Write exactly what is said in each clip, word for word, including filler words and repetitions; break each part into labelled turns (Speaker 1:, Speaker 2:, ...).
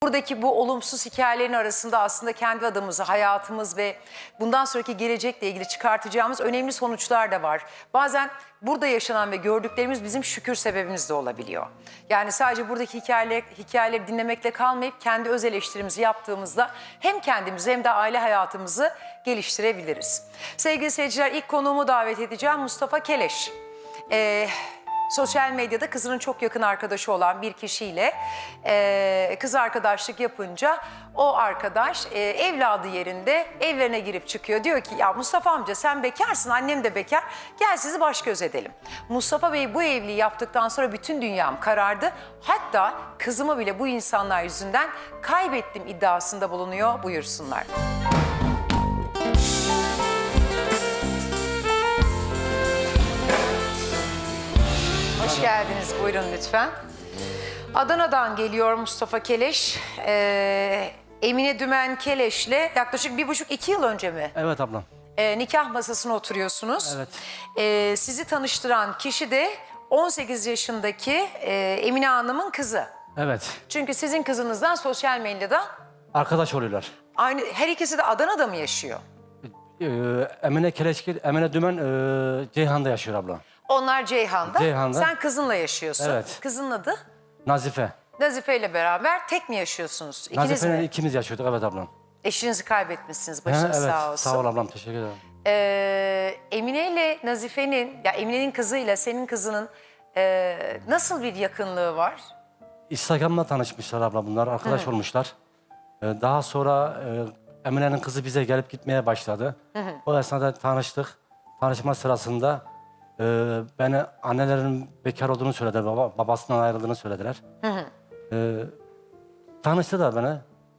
Speaker 1: Buradaki bu olumsuz hikayelerin arasında aslında kendi adımızı, hayatımız ve bundan sonraki gelecekle ilgili çıkartacağımız önemli sonuçlar da var. Bazen burada yaşanan ve gördüklerimiz bizim şükür sebebimiz de olabiliyor. Yani sadece buradaki hikayeler, hikayeleri dinlemekle kalmayıp kendi öz eleştirimizi yaptığımızda hem kendimizi hem de aile hayatımızı geliştirebiliriz. Sevgili seyirciler, ilk konuğumu davet edeceğim, Mustafa Keleş. Ee, Sosyal medyada kızının çok yakın arkadaşı olan bir kişiyle e, kız arkadaşlık yapınca o arkadaş e, evladı yerinde evlerine girip çıkıyor. Diyor ki ya Mustafa amca sen bekarsın, annem de bekar, gel sizi baş göz edelim. Mustafa Bey bu evliliği yaptıktan sonra bütün dünyam karardı. Hatta kızımı bile bu insanlar yüzünden kaybettim iddiasında bulunuyor. Buyursunlar. Hoş geldiniz. Buyurun lütfen. Adana'dan geliyor Mustafa Keleş. Ee, Emine Dümen Keleş'le yaklaşık bir buçuk iki yıl önce mi?
Speaker 2: Evet ablam.
Speaker 1: Ee, nikah masasına oturuyorsunuz.
Speaker 2: Evet.
Speaker 1: Ee, sizi tanıştıran kişi de on sekiz yaşındaki e, Emine Hanım'ın kızı.
Speaker 2: Evet.
Speaker 1: Çünkü sizin kızınızdan sosyal medyada
Speaker 2: Arkadaş oluyorlar.
Speaker 1: aynı, her ikisi de Adana'da mı yaşıyor?
Speaker 2: Ee, Emine Keleşkil, Emine Dümen e, Ceyhan'da yaşıyor abla.
Speaker 1: Onlar Ceyhan'da.
Speaker 2: Ceyhan'da.
Speaker 1: Sen kızınla yaşıyorsun.
Speaker 2: Evet.
Speaker 1: Kızın adı?
Speaker 2: Nazife.
Speaker 1: Nazife ile beraber tek mi yaşıyorsunuz? İkiniz
Speaker 2: Nazife'yle
Speaker 1: mi?
Speaker 2: ikimiz yaşıyorduk, evet ablam.
Speaker 1: Eşinizi kaybetmişsiniz.
Speaker 2: Ha,
Speaker 1: Başınız
Speaker 2: evet,
Speaker 1: sağ olsun.
Speaker 2: sağ ol ablam, teşekkür ederim.
Speaker 1: Ee, Emine ile Nazife'nin, ya Emine'nin kızıyla senin kızının e, nasıl bir yakınlığı var?
Speaker 2: Instagram'da tanışmışlar abla bunlar, arkadaş olmuşlar. Ee, daha sonra e, Emine'nin kızı bize gelip gitmeye başladı. O esnada tanıştık. Tanışma sırasında e, beni annelerinin bekar olduğunu söylediler, baba, babasından ayrıldığını söylediler. E, tanıştılar beni.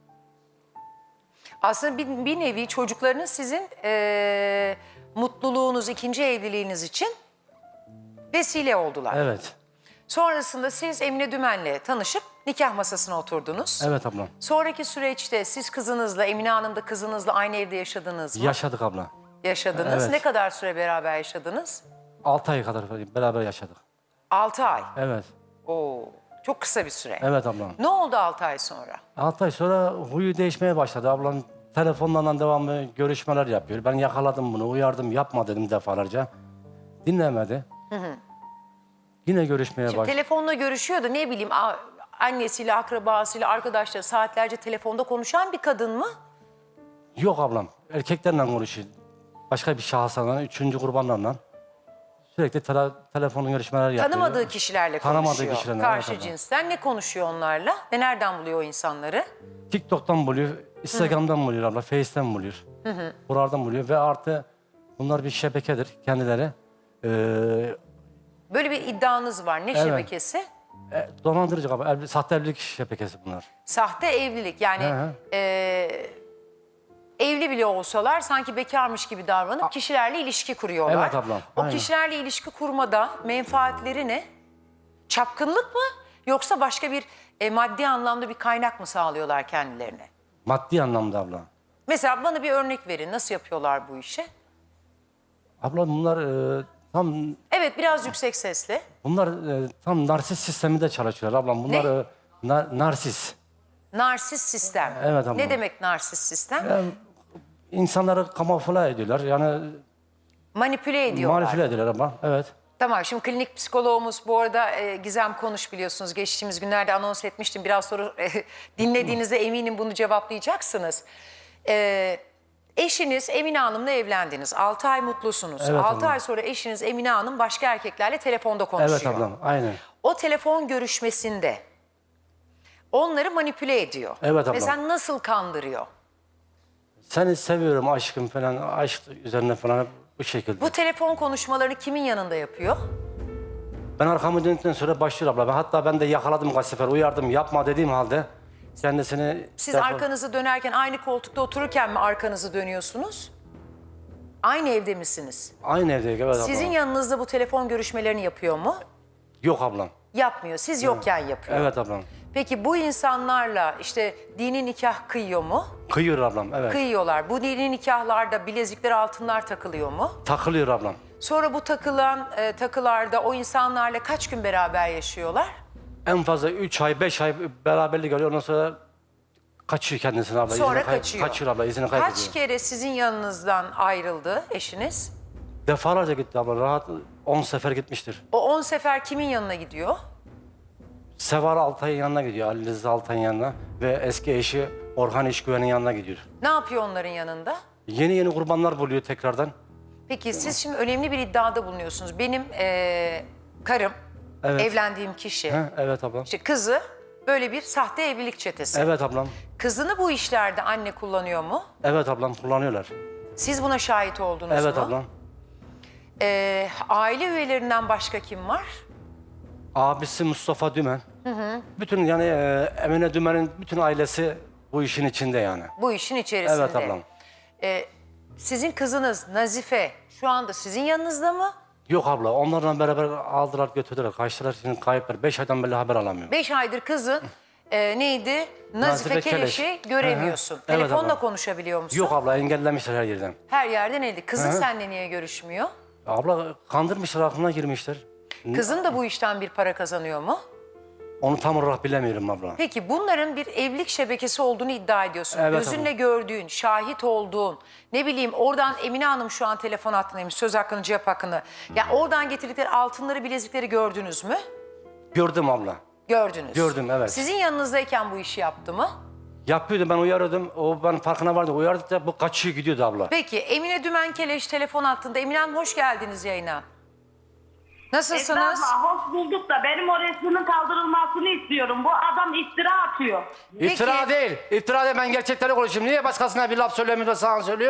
Speaker 1: Aslında bir, bir nevi çocuklarınız sizin e, mutluluğunuz, ikinci evliliğiniz için vesile oldular.
Speaker 2: Evet.
Speaker 1: Sonrasında siz Emine Dümen'le tanışıp nikah masasına oturdunuz.
Speaker 2: Evet ablam.
Speaker 1: Sonraki süreçte siz kızınızla, Emine Hanım da kızınızla aynı evde yaşadınız mı?
Speaker 2: Yaşadık abla.
Speaker 1: Yaşadınız.
Speaker 2: Evet.
Speaker 1: Ne kadar süre beraber yaşadınız?
Speaker 2: Altı ay kadar beraber yaşadık.
Speaker 1: Altı ay.
Speaker 2: Evet.
Speaker 1: Oo, çok kısa bir süre.
Speaker 2: Evet ablam.
Speaker 1: Ne oldu altı ay sonra?
Speaker 2: Altı ay sonra huyu değişmeye başladı. Ablam telefonlarla devamlı görüşmeler yapıyor. Ben yakaladım bunu, uyardım, yapma dedim defalarca. Dinlemedi. Yine görüşmeye
Speaker 1: Şimdi
Speaker 2: başladı.
Speaker 1: telefonla görüşüyordu, ne bileyim a- annesiyle, akrabasıyla, arkadaşları saatlerce telefonda konuşan bir kadın mı?
Speaker 2: Yok ablam. Erkeklerle konuşuyor. Başka bir şahıslarla, üçüncü kurbanlarla. Sürekli tele, telefonla görüşmeler yapıyor.
Speaker 1: Tanımadığı kişilerle
Speaker 2: Tanımadığı
Speaker 1: konuşuyor.
Speaker 2: kişilerle,
Speaker 1: Karşı
Speaker 2: evet abla.
Speaker 1: cinsten ne konuşuyor onlarla? Ve nereden buluyor o insanları?
Speaker 2: TikTok'tan buluyor, Instagram'dan buluyor abla, Face'ten buluyor. Buralardan buluyor ve artı bunlar bir şebekedir kendileri. Ee,
Speaker 1: Böyle bir iddianız var. Ne
Speaker 2: Evet.
Speaker 1: şebekesi?
Speaker 2: e, dolandırıcı abla, evli- sahte evlilik şebekesi bunlar.
Speaker 1: Sahte evlilik. Yani
Speaker 2: Hı hı.
Speaker 1: e, evli bile olsalar sanki bekarmış gibi davranıp kişilerle ilişki kuruyorlar.
Speaker 2: Evet ablam,
Speaker 1: O
Speaker 2: aynen.
Speaker 1: kişilerle ilişki kurmada menfaatleri ne? Çapkınlık mı? Yoksa başka bir e, maddi anlamda bir kaynak mı sağlıyorlar kendilerine?
Speaker 2: Maddi anlamda abla.
Speaker 1: Mesela bana bir örnek verin. Nasıl yapıyorlar bu işi?
Speaker 2: Abla bunlar e, tam
Speaker 1: Evet, biraz yüksek sesle.
Speaker 2: bunlar e, tam narsist sisteminde çalışıyorlar ablam. Bunlar
Speaker 1: Ne?
Speaker 2: e, na- narsist.
Speaker 1: Narsist sistem.
Speaker 2: Evet abla.
Speaker 1: Ne demek narsist sistem?
Speaker 2: Yani insanları kamufle ediyorlar. Yani
Speaker 1: Manipüle ediyorlar.
Speaker 2: manipüle ediyorlar abla. Evet.
Speaker 1: Tamam, şimdi klinik psikoloğumuz bu arada e, Gizem Konuş, biliyorsunuz geçtiğimiz günlerde anons etmiştim. Biraz sonra e, dinlediğinizde eminim bunu cevaplayacaksınız. E, eşiniz Emine Hanım'la evlendiniz. altı ay mutlusunuz.
Speaker 2: Evet
Speaker 1: altı
Speaker 2: ablam.
Speaker 1: ay sonra eşiniz Emine Hanım başka erkeklerle telefonda konuşuyor.
Speaker 2: Evet ablam. Aynen.
Speaker 1: O telefon görüşmesinde onları manipüle ediyor.
Speaker 2: Evet
Speaker 1: Ve
Speaker 2: ablam.
Speaker 1: sen nasıl kandırıyor?
Speaker 2: Seni seviyorum aşkım falan. Aşk üzerine falan hep bu şekilde.
Speaker 1: Bu telefon konuşmalarını kimin yanında yapıyor?
Speaker 2: Ben arkamı döndükten sonra başlıyor abla. Ben, hatta ben de yakaladım kaç sefer. Uyardım, yapma dediğim halde kendisini...
Speaker 1: Siz
Speaker 2: telefon-
Speaker 1: arkanızı dönerken aynı koltukta otururken mi arkanızı dönüyorsunuz? Aynı evde misiniz?
Speaker 2: Aynı evdeyiz, evet abla.
Speaker 1: Sizin yanınızda bu telefon görüşmelerini yapıyor mu?
Speaker 2: Yok ablam.
Speaker 1: Yapmıyor. Siz yokken yapıyor.
Speaker 2: Evet ablam.
Speaker 1: Peki bu insanlarla işte dini nikah kıyıyor mu?
Speaker 2: Kıyıyor ablam, evet.
Speaker 1: Kıyıyorlar. Bu dini nikahlarda bilezikler, altınlar takılıyor mu?
Speaker 2: Takılıyor ablam.
Speaker 1: Sonra bu takılan e, takılarda o insanlarla kaç gün beraber yaşıyorlar?
Speaker 2: En fazla üç ay, beş ay beraberlik oluyor. Ondan sonra Kaçıyor kendisine abla.
Speaker 1: Sonra
Speaker 2: izini kay-
Speaker 1: kaçıyor.
Speaker 2: Kaçıyor abla, izini kaybediyor.
Speaker 1: Kaç kere sizin yanınızdan ayrıldı eşiniz?
Speaker 2: Defalarca gitti abla. Rahat on sefer gitmiştir.
Speaker 1: O on sefer kimin yanına gidiyor?
Speaker 2: Seval Altay'ın yanına gidiyor. Ali Rıza Altay'ın yanına. Ve eski eşi Orhan İşgüven'in yanına gidiyor.
Speaker 1: Ne yapıyor onların yanında?
Speaker 2: Yeni yeni kurbanlar buluyor tekrardan.
Speaker 1: Peki siz şimdi önemli bir iddiada bulunuyorsunuz. Benim eee, karım,
Speaker 2: Evet.
Speaker 1: evlendiğim kişi,
Speaker 2: He, evet ablam.
Speaker 1: işte kızı böyle bir sahte evlilik çetesi.
Speaker 2: Evet ablam.
Speaker 1: Kızını bu işlerde anne kullanıyor mu?
Speaker 2: Evet ablam, kullanıyorlar.
Speaker 1: Siz buna şahit oldunuz
Speaker 2: Evet
Speaker 1: mu?
Speaker 2: ablam.
Speaker 1: Eee, aile üyelerinden başka kim var?
Speaker 2: Abisi Mustafa Dümen. Bütün yani e, Emine Dümen'in bütün ailesi bu işin içinde yani.
Speaker 1: Bu işin içerisinde.
Speaker 2: Evet ablam.
Speaker 1: Eee, sizin kızınız Nazife şu anda sizin yanınızda mı?
Speaker 2: Yok abla, onlarla beraber aldılar götürdüler. Kaçtılar, şimdi kayıplar. Beş aydan beri haber alamıyorum.
Speaker 1: Beş aydır kızın eee, neydi? Nazife,
Speaker 2: Nazife
Speaker 1: Keleş'i
Speaker 2: Keleş.
Speaker 1: göremiyorsun.
Speaker 2: Hı hı. Evet
Speaker 1: Telefonla
Speaker 2: abla.
Speaker 1: konuşabiliyor musun?
Speaker 2: Yok abla, engellemişler her yerden.
Speaker 1: Her yerden elde. Kızın
Speaker 2: Hı hı.
Speaker 1: seninle niye görüşmüyor?
Speaker 2: Abla kandırmışlar, aklına girmişler.
Speaker 1: Kızın da bu işten bir para kazanıyor mu?
Speaker 2: Onu tam olarak bilemiyorum abla.
Speaker 1: Peki bunların bir evlilik şebekesi olduğunu iddia ediyorsun.
Speaker 2: Evet
Speaker 1: Gözünle
Speaker 2: abla.
Speaker 1: gördüğün, şahit olduğun, ne bileyim oradan Emine Hanım şu an telefon hattındaymış, söz hakkını, cevap hakkını. Ya oradan getirdikleri altınları, bilezikleri gördünüz mü?
Speaker 2: Gördüm abla.
Speaker 1: Gördünüz.
Speaker 2: Gördüm, evet.
Speaker 1: Sizin yanınızdayken bu işi yaptı mı?
Speaker 2: Yapıyordu, ben uyarıyordum. O ben farkına vardı. Uyardıkça bu kaçıyor gidiyordu abla.
Speaker 1: Peki Emine Dümen Keleş telefon hattında. Emine Hanım hoş geldiniz yayına. Nasılsınız?
Speaker 3: Esra abla, hoş bulduk da benim o resminin kaldırılmasını istiyorum. Bu adam iftira atıyor.
Speaker 2: İftira
Speaker 1: Peki.
Speaker 2: değil. İftira değil, ben gerçekleri konuşayım. Niye başkasına bir laf söylemiyor da sana söylüyor?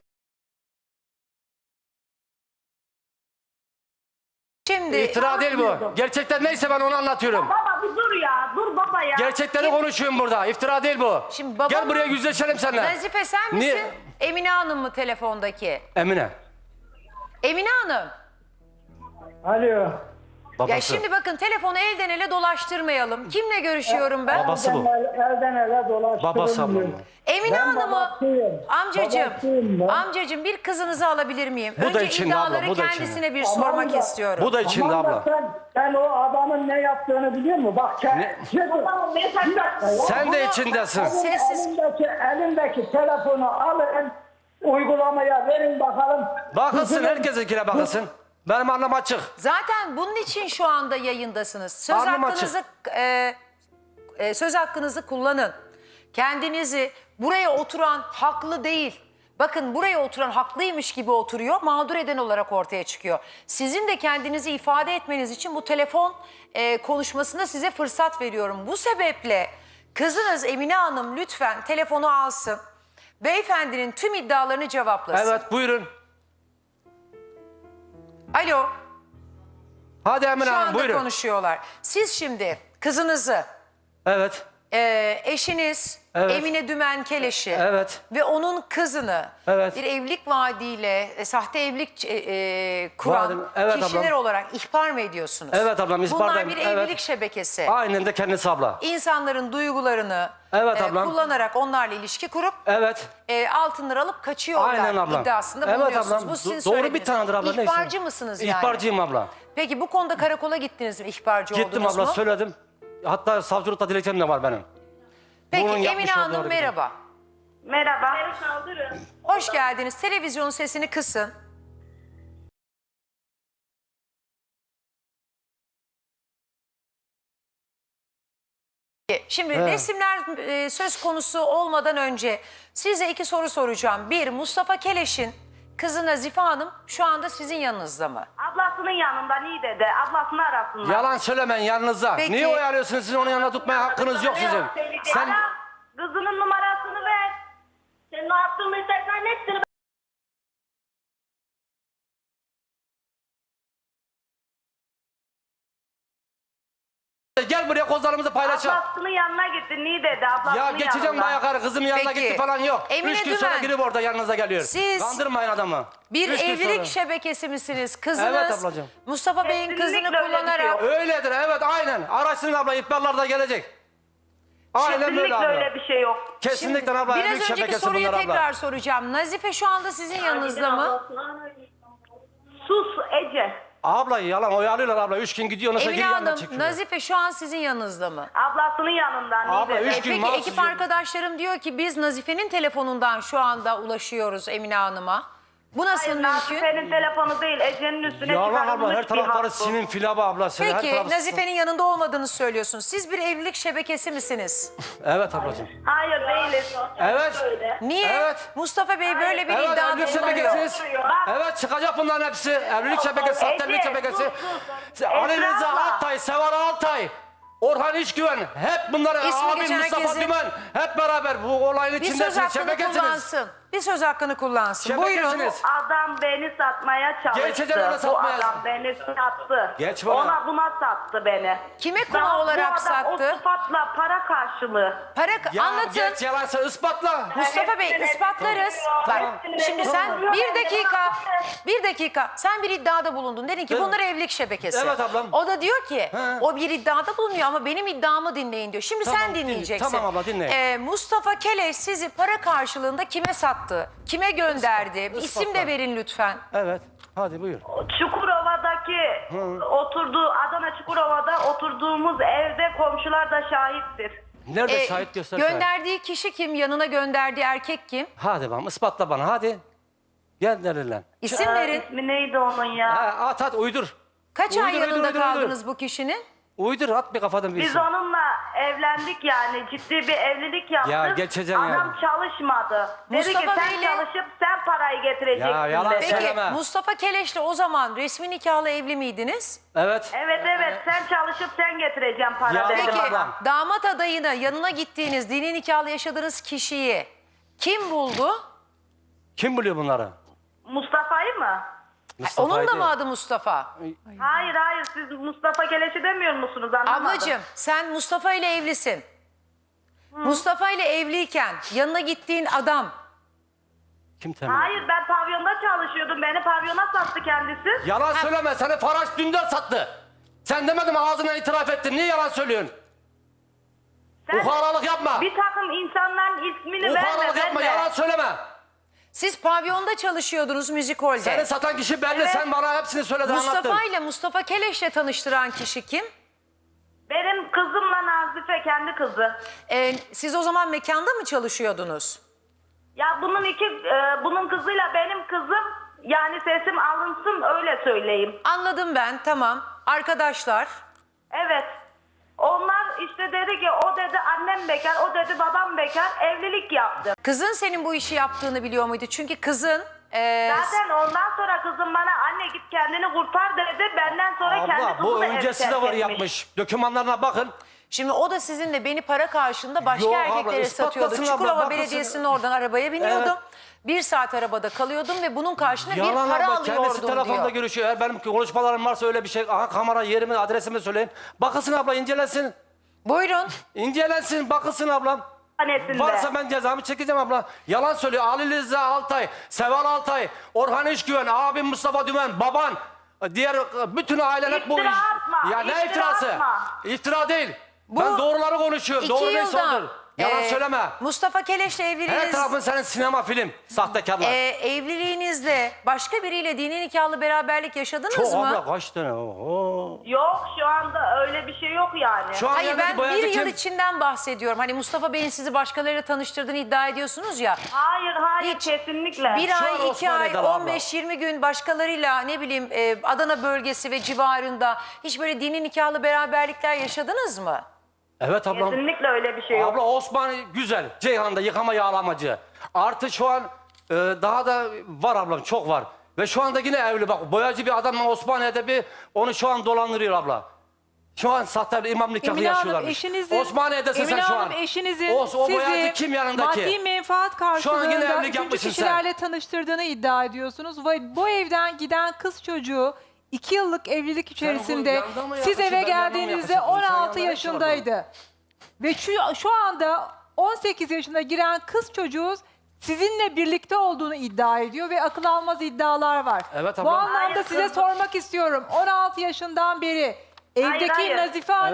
Speaker 1: Şimdi
Speaker 2: İftira değil bu. Gerçekler neyse ben onu anlatıyorum.
Speaker 3: Baba bir dur ya, dur baba ya.
Speaker 2: Gerçekleri konuşuyorum burada. İftira değil bu.
Speaker 1: Şimdi babamın-
Speaker 2: Gel buraya yüzleşelim seninle.
Speaker 1: Nazife sen misin?
Speaker 2: Niye?
Speaker 1: Emine Hanım mı telefondaki?
Speaker 2: Emine.
Speaker 1: Emine Hanım.
Speaker 4: Alo.
Speaker 2: Babası.
Speaker 1: Ya şimdi bakın telefonu elden ele dolaştırmayalım. Kimle görüşüyorum ben?
Speaker 2: Babası bu.
Speaker 4: Elden, el- elden ele dolaştırılmıyor.
Speaker 2: Babası ablam.
Speaker 1: Emine
Speaker 4: Ben
Speaker 1: Hanım'ı
Speaker 4: babasıyım.
Speaker 1: amcacığım,
Speaker 4: Babasıyım ben.
Speaker 1: amcacığım bir kızınızı alabilir miyim?
Speaker 2: Bu da
Speaker 1: Önce
Speaker 2: içinde abla,
Speaker 1: iddiaları
Speaker 2: bu da
Speaker 1: kendisine bir
Speaker 4: Aman
Speaker 1: sormak
Speaker 4: da-
Speaker 1: istiyorum.
Speaker 2: Bu da içinde
Speaker 4: Aman da
Speaker 2: abla.
Speaker 4: Sen, sen o adamın ne yaptığını biliyor musun? Bak sen,
Speaker 2: Ne?
Speaker 3: Tamam, mesaj at.
Speaker 2: Sen de
Speaker 1: Bunu-
Speaker 2: içindesin.
Speaker 1: Sessiz.
Speaker 4: elindeki, elindeki telefonu alın, uygulamaya verin bakalım.
Speaker 2: Bakılsın,
Speaker 4: Kızının-
Speaker 2: herkesinkine bakılsın. Benim anlam açık.
Speaker 1: Zaten bunun için şu anda yayındasınız. Söz
Speaker 2: Alnım
Speaker 1: hakkınızı e, e, söz hakkınızı kullanın. Kendinizi buraya oturan haklı değil. Bakın buraya oturan haklıymış gibi oturuyor, mağdur eden olarak ortaya çıkıyor. Sizin de kendinizi ifade etmeniz için bu telefon e, konuşmasında size fırsat veriyorum. Bu sebeple kızınız Emine Hanım lütfen telefonu alsın. Beyefendinin tüm iddialarını cevaplasın.
Speaker 2: Evet, buyurun.
Speaker 1: Alo.
Speaker 2: Hadi Emine
Speaker 1: Şu
Speaker 2: Hanım,
Speaker 1: anda
Speaker 2: buyurun.
Speaker 1: konuşuyorlar. Siz şimdi kızınızı,
Speaker 2: Evet.
Speaker 1: e, eşiniz
Speaker 2: Evet.
Speaker 1: Emine Dümen Keleş'i
Speaker 2: Evet.
Speaker 1: ve onun kızını
Speaker 2: Evet.
Speaker 1: bir evlilik vaadiyle e, sahte evlilik e, e, kuran
Speaker 2: Vadim- evet
Speaker 1: kişiler
Speaker 2: ablam.
Speaker 1: olarak ihbar mı ediyorsunuz?
Speaker 2: Evet ablam,
Speaker 1: Bunlar
Speaker 2: ihbardayım.
Speaker 1: bir
Speaker 2: Evet.
Speaker 1: evlilik şebekesi.
Speaker 2: Aynen de kendisi abla.
Speaker 1: İnsanların duygularını
Speaker 2: Evet
Speaker 1: e,
Speaker 2: ablam.
Speaker 1: kullanarak onlarla ilişki kurup
Speaker 2: Evet.
Speaker 1: e, altınları alıp kaçıyorlar
Speaker 2: Aynen ablam.
Speaker 1: iddiasında
Speaker 2: Evet
Speaker 1: bulunuyorsunuz.
Speaker 2: ablam.
Speaker 1: Bu sizin
Speaker 2: Do- doğru bir
Speaker 1: söylediğiniz.
Speaker 2: tanedir abla. neyse.
Speaker 1: İhbarcı mısınız yani?
Speaker 2: İhbarcıyım abla.
Speaker 1: Peki bu konuda karakola gittiniz mi? İhbarcı
Speaker 2: Gittim
Speaker 1: oldunuz
Speaker 2: abla,
Speaker 1: mu?
Speaker 2: söyledim. Hatta savcılıkta dilekçem de var benim.
Speaker 1: Peki
Speaker 2: Bunun
Speaker 1: Emine
Speaker 2: yapmış olduğu
Speaker 1: Hanım
Speaker 2: hareketi.
Speaker 1: merhaba.
Speaker 3: Merhaba. Beni kaldırın.
Speaker 1: Hoş geldiniz. Televizyonun sesini kısın. Şimdi
Speaker 2: Evet.
Speaker 1: resimler e, söz konusu olmadan önce size iki soru soracağım. Bir, Mustafa Keleş'in kızı Nazife Hanım şu anda sizin yanınızda mı?
Speaker 3: Ablasının yanında Niğde'de. Ablasını arasınlar.
Speaker 2: Yalan söylemeyin yanınızda.
Speaker 1: Peki.
Speaker 2: Niye oyalıyorsunuz? Sizin onun yanına tutmaya hakkınız yok sizin. Sen
Speaker 3: Ara, kızının numarasını ver. Senin o yaptığın mesajların hepsini
Speaker 2: gel buraya, kozlarımızı paylaşalım.
Speaker 3: ablasının yanına gitti Niğde'de. Ablasının
Speaker 2: Ya geçeceğim
Speaker 3: yanında.
Speaker 2: bayağı kızım yanına
Speaker 1: Peki.
Speaker 2: gitti falan yok.
Speaker 1: Emine
Speaker 2: Üç gün sonra
Speaker 1: Dümen,
Speaker 2: girip orada yanınıza geliyor.
Speaker 1: siz
Speaker 2: Kandırmayın adamı.
Speaker 1: Bir
Speaker 2: Üç gün
Speaker 1: evlilik
Speaker 2: sonra.
Speaker 1: şebekesi misiniz? Kızınız
Speaker 2: Evet ablacığım.
Speaker 1: Mustafa Bey'in
Speaker 3: Kesinlikle
Speaker 1: kızını
Speaker 3: öyle bir şey
Speaker 1: kullanarak...
Speaker 3: yok.
Speaker 2: Öyledir, evet aynen. Araştırın abla, ihbarlar da gelecek. Aynen böyle
Speaker 3: Kesinlikle
Speaker 2: abla.
Speaker 3: öyle bir şey yok.
Speaker 2: Kesinlikle abla.
Speaker 1: Biraz
Speaker 2: Evlilik
Speaker 1: önceki
Speaker 2: şebekesi
Speaker 1: soruyu
Speaker 2: bunlar
Speaker 1: tekrar
Speaker 2: abla.
Speaker 1: soracağım. Nazife şu anda sizin yanınızda mı?
Speaker 3: Sus Ece.
Speaker 2: Abla yalan oyalıyorlar abla. Üç gün gidiyor nasıl
Speaker 1: Emine
Speaker 2: geri yanına
Speaker 1: Hanım,
Speaker 2: çekiyorlar.
Speaker 1: Nazife şu an sizin yanınızda mı?
Speaker 3: Ablasının yanından.
Speaker 2: Abla,
Speaker 3: Niğde'de.
Speaker 2: üç
Speaker 1: E,
Speaker 2: gün
Speaker 1: peki
Speaker 2: mahsus
Speaker 1: ekip
Speaker 2: yok.
Speaker 1: arkadaşlarım diyor ki biz Nazife'nin telefonundan şu anda ulaşıyoruz Emine Hanım'a. Bu nasıl
Speaker 3: Hayır,
Speaker 1: mümkün?
Speaker 3: Nazife'nin telefonu değil, Ece'nin üstüne
Speaker 2: Yalan abla
Speaker 3: çıkarılmış
Speaker 2: her
Speaker 3: bir
Speaker 2: tarafları
Speaker 3: hat bu.
Speaker 2: sinin filaba abla. Sen her
Speaker 1: Peki
Speaker 2: tarafı-
Speaker 1: Nazife'nin yanında olmadığını söylüyorsunuz. Siz bir evlilik şebekesi misiniz?
Speaker 2: Evet ablacığım.
Speaker 3: Hayır değiliz.
Speaker 2: Evet.
Speaker 1: Niye?
Speaker 2: Evet.
Speaker 1: Mustafa Bey böyle bir
Speaker 2: Evet
Speaker 1: iddia
Speaker 2: evlilik
Speaker 1: bulunuyor.
Speaker 2: şebekesiz.
Speaker 3: Bak.
Speaker 2: Evet çıkacak bunların hepsi. Evlilik şebekesi, sahte evlilik
Speaker 3: Ece,
Speaker 2: şebekesi.
Speaker 3: sus, sus.
Speaker 2: Ali
Speaker 3: Esra
Speaker 2: Rıza
Speaker 3: abla.
Speaker 2: Altay, Sevar Altay, Orhan İşgüven. Hep bunlar
Speaker 1: İsmi
Speaker 2: abi
Speaker 1: geçen
Speaker 2: Mustafa
Speaker 1: herkesin-
Speaker 2: Dümen. Hep beraber bu olayın
Speaker 1: Bir söz
Speaker 2: içindesiniz.
Speaker 1: hakkını
Speaker 2: Şebekesiniz.
Speaker 1: kullansın. Bir söz hakkını kullansın. Buyurun.
Speaker 2: Şebekesiniz.
Speaker 3: Adam beni satmaya çalıştı.
Speaker 2: Geçeceksin ona
Speaker 3: Bu
Speaker 2: satmaya.
Speaker 3: adam beni sattı.
Speaker 2: Geç bana.
Speaker 3: Ona buna sattı beni.
Speaker 1: Kime konu
Speaker 3: Daha
Speaker 1: olarak
Speaker 3: bu adam
Speaker 1: sattı?
Speaker 3: o sıfatla para karşılığı.
Speaker 1: Para
Speaker 2: Ya
Speaker 1: anlatın.
Speaker 2: geç yalansa ispatla.
Speaker 1: Mustafa Bey
Speaker 3: Hepsini
Speaker 1: ispatlarız.
Speaker 3: biliyor,
Speaker 1: Bak
Speaker 3: hepsini
Speaker 1: şimdi
Speaker 3: biliyor.
Speaker 1: sen bir
Speaker 3: Biliyor.
Speaker 1: dakika, bir dakika. Sen bir iddiada bulundun. Dedin ki
Speaker 2: Evet.
Speaker 1: bunlar evlilik şebekesi.
Speaker 2: Evet ablam.
Speaker 1: O da diyor ki
Speaker 2: He.
Speaker 1: o bir iddiada bulunuyor ama benim iddiamı dinleyin diyor. Şimdi
Speaker 2: Tamam,
Speaker 1: sen
Speaker 2: dinle-
Speaker 1: dinleyeceksin.
Speaker 2: tamam abla, dinle.
Speaker 1: Ee, Mustafa Keleş sizi para karşılığında kime sattı? Kime gönderdi?
Speaker 2: Ispat-
Speaker 1: İsim de
Speaker 2: ispatla.
Speaker 1: verin lütfen.
Speaker 2: Evet. Hadi buyur.
Speaker 3: Çukurova'daki oturduğu Adana Çukurova'da oturduğumuz evde komşular da şahittir.
Speaker 2: Nerede
Speaker 1: Ee,
Speaker 2: şahit göster. şahit.
Speaker 1: gönderdiği kişi kim? Yanına gönderdiği erkek kim?
Speaker 2: Hadi bakalım ispatla bana hadi. Gel lan.
Speaker 1: İsim
Speaker 3: Ee,
Speaker 1: verin.
Speaker 3: İsmi neydi onun ya?
Speaker 2: Ha, at at uydur.
Speaker 1: Kaç ay
Speaker 2: uydur, uydur,
Speaker 1: yanında
Speaker 2: uydur,
Speaker 1: kaldınız
Speaker 2: uydur.
Speaker 1: bu kişinin?
Speaker 2: Uydur at bir kafadan bir
Speaker 3: Biz
Speaker 2: isim.
Speaker 3: onunla evlendik yani ciddi bir evlilik yaptık.
Speaker 2: Ya geçeceksin
Speaker 3: Adam
Speaker 2: yani.
Speaker 3: çalışmadı. Dedi ki
Speaker 1: Mustafa
Speaker 3: sen
Speaker 1: Bey'le-
Speaker 3: çalışıp sen parayı getireceksin
Speaker 2: Ya yalan
Speaker 3: dedi.
Speaker 1: Peki
Speaker 2: Söyleme.
Speaker 1: Mustafa Keleş'le o zaman resmi nikahla evli miydiniz?
Speaker 2: Evet.
Speaker 3: Evet evet sen çalışıp sen getireceksin para
Speaker 2: Ya
Speaker 3: dedi
Speaker 1: Peki
Speaker 2: Tamam.
Speaker 3: bana.
Speaker 1: damat adayını yanına gittiğiniz dini nikahla yaşadığınız kişiyi kim buldu?
Speaker 2: Kim biliyor bunları?
Speaker 3: Mustafa'yı mı?
Speaker 2: Mustafa'yı
Speaker 1: Onun da
Speaker 2: değil.
Speaker 1: mı adı Mustafa?
Speaker 3: Hayır hayır siz Mustafa Keleş'i demiyor musunuz anlamadım.
Speaker 1: Ablacığım sen Mustafa ile evlisin. Mustafa ile evliyken yanına gittiğin adam
Speaker 2: Kim temin
Speaker 3: Hayır
Speaker 2: ediyor?
Speaker 3: ben pavyonda çalışıyordum. Beni pavyona sattı kendisi.
Speaker 2: Yalan söyleme seni Faraş dünden sattı. Sen demedin mi ağzına itiraf ettin. Niye yalan söylüyorsun?
Speaker 3: Sen
Speaker 2: Ukalalık yapma.
Speaker 3: bir takım insanların ismini verme
Speaker 2: Ukalalık yapma
Speaker 3: verme.
Speaker 2: yalan söyleme.
Speaker 1: siz pavyonda çalışıyordunuz müzik holde.
Speaker 2: Seni satan kişi belli.
Speaker 3: Evet.
Speaker 2: Sen bana hepsini söyledin anlattın.
Speaker 1: Mustafa ile Mustafa Keleş'le tanıştıran kişi kim?
Speaker 3: Benim kızımla Nazife kendi kızı.
Speaker 1: Ee, siz o zaman mekanda mı çalışıyordunuz?
Speaker 3: Ya bunun iki e, bunun kızıyla benim kızım yani sesim alınsın öyle söyleyeyim.
Speaker 1: Anladım ben, tamam. Arkadaşlar,
Speaker 3: Evet. Onlar işte dedi ki o dedi annem bekar, o dedi babam bekar, evlilik yaptı.
Speaker 1: kızın senin bu işi yaptığını biliyor muydu? Çünkü kızın e,
Speaker 3: Zaten ondan sonra kızım bana anne git kendini kurtar dedi. Benden sonra kendi
Speaker 2: Abla
Speaker 3: kızını
Speaker 2: bu
Speaker 3: ev
Speaker 2: öncesi de
Speaker 3: terk
Speaker 2: var
Speaker 3: etmiş.
Speaker 2: yapmış. Dokümanlarına bakın.
Speaker 1: şimdi o da sizinle beni para karşılığında başka
Speaker 2: Yok abla,
Speaker 1: erkeklere satıyordu.
Speaker 2: ispatlasın abla,
Speaker 1: Çukurova
Speaker 2: bakmasın.
Speaker 1: Belediyesi'nin oradan arabaya biniyordum.
Speaker 2: Evet.
Speaker 1: Bir saat arabada kalıyordum ve bunun karşılığında
Speaker 2: Yalan
Speaker 1: bir para
Speaker 2: abla kendisi
Speaker 1: alıyordum
Speaker 2: telefonda
Speaker 1: diyor.
Speaker 2: görüşüyor. Eğer benim konuşmalarım varsa öyle bir şey. Aha kamera yerimi adresimi söyleyin. Bakılsın abla incelensin.
Speaker 1: Buyurun.
Speaker 2: İncelensin bakılsın ablam.
Speaker 3: Hanesinde.
Speaker 2: Varsa ben cezamı çekeceğim abla. Yalan söylüyor. Ali Rıza Altay, Seval Altay, Orhan İşgüven, abim Mustafa Dümen, baban. Diğer bütün ailen hep bu
Speaker 3: İftira
Speaker 2: iş.
Speaker 3: atma,
Speaker 2: Ya ne
Speaker 3: iftira
Speaker 2: iftirası?
Speaker 3: atma.
Speaker 2: İftira değil.
Speaker 1: Bu
Speaker 2: ben doğruları konuşuyorum.
Speaker 1: İki
Speaker 2: Doğru neyse
Speaker 1: yılda
Speaker 2: odur. Yalan
Speaker 1: e,
Speaker 2: söyleme.
Speaker 1: Mustafa Keleş'le
Speaker 2: Her
Speaker 1: evliliğiniz,
Speaker 2: tarafın senin sinema film. Sahtekarlar.
Speaker 1: e, evliliğinizde başka biriyle dini nikahlı beraberlik yaşadınız
Speaker 2: Çok
Speaker 1: mı?
Speaker 2: abla kaç tane? Oo.
Speaker 3: Yok şu anda öyle bir şey yok yani.
Speaker 2: Şu an
Speaker 1: Hayır
Speaker 2: yanındaki
Speaker 1: ben
Speaker 2: boyacı
Speaker 1: bir yıl
Speaker 2: kim?
Speaker 1: içinden bahsediyorum. Hani Mustafa Bey'in sizi başkalarıyla tanıştırdığını iddia ediyorsunuz ya.
Speaker 3: Hayır hayır
Speaker 1: Hiç.
Speaker 3: kesinlikle.
Speaker 1: Bir
Speaker 2: Şu an
Speaker 1: ay, iki ay,
Speaker 2: Osmaniye'de abla.
Speaker 1: on beş yirmi gün başkalarıyla ne bileyim e, Adana bölgesi ve civarında hiç böyle dini nikahlı beraberlikler yaşadınız mı?
Speaker 2: Evet ablam.
Speaker 3: Kesinlikle öyle bir şey yok.
Speaker 2: Abla Osman güzel. Ceyhan'da yıkama yağlamacı. Artı şu an e, daha da var ablam çok var. Ve şu anda yine evli bak boyacı bir adamla Osmaniye'de bir onu şu an dolandırıyor abla. Şu an sahte bir imam nikahı
Speaker 5: Emine Hanım
Speaker 2: yaşıyorlarmış.
Speaker 5: eşinizin,
Speaker 2: Osmaniye'desin
Speaker 5: Emine
Speaker 2: sen şu
Speaker 5: Hanım
Speaker 2: an.
Speaker 5: eşinizin
Speaker 2: O, o
Speaker 5: sizi
Speaker 2: boyacı kim yanındaki?
Speaker 5: maddi menfaat
Speaker 2: Şu an yine
Speaker 5: karşılığında
Speaker 2: evlilik
Speaker 5: üçüncü
Speaker 2: yapmışsın
Speaker 5: kişilerle tanıştırdığını iddia ediyorsunuz. Ve bu evden giden kız çocuğu iki yıllık evlilik içerisinde
Speaker 2: yanında mı
Speaker 5: siz
Speaker 2: yaklaşıyorsun,
Speaker 5: eve
Speaker 2: ben yanında mı
Speaker 5: geldiğinizde
Speaker 2: yaklaşıyorum? Sen
Speaker 5: on altı
Speaker 2: yanında
Speaker 5: yaşındaydı. Ve şu, şu anda on sekiz yaşına giren kız çocuğu sizinle birlikte olduğunu iddia ediyor ve akıl almaz iddialar var.
Speaker 2: Evet
Speaker 5: Bu
Speaker 2: ablam.
Speaker 5: anlamda
Speaker 3: Hayır,
Speaker 5: size
Speaker 3: kız-
Speaker 5: sormak istiyorum. on altı yaşından beri evdeki
Speaker 3: hayır.
Speaker 5: Nazife Hanım
Speaker 2: Evet.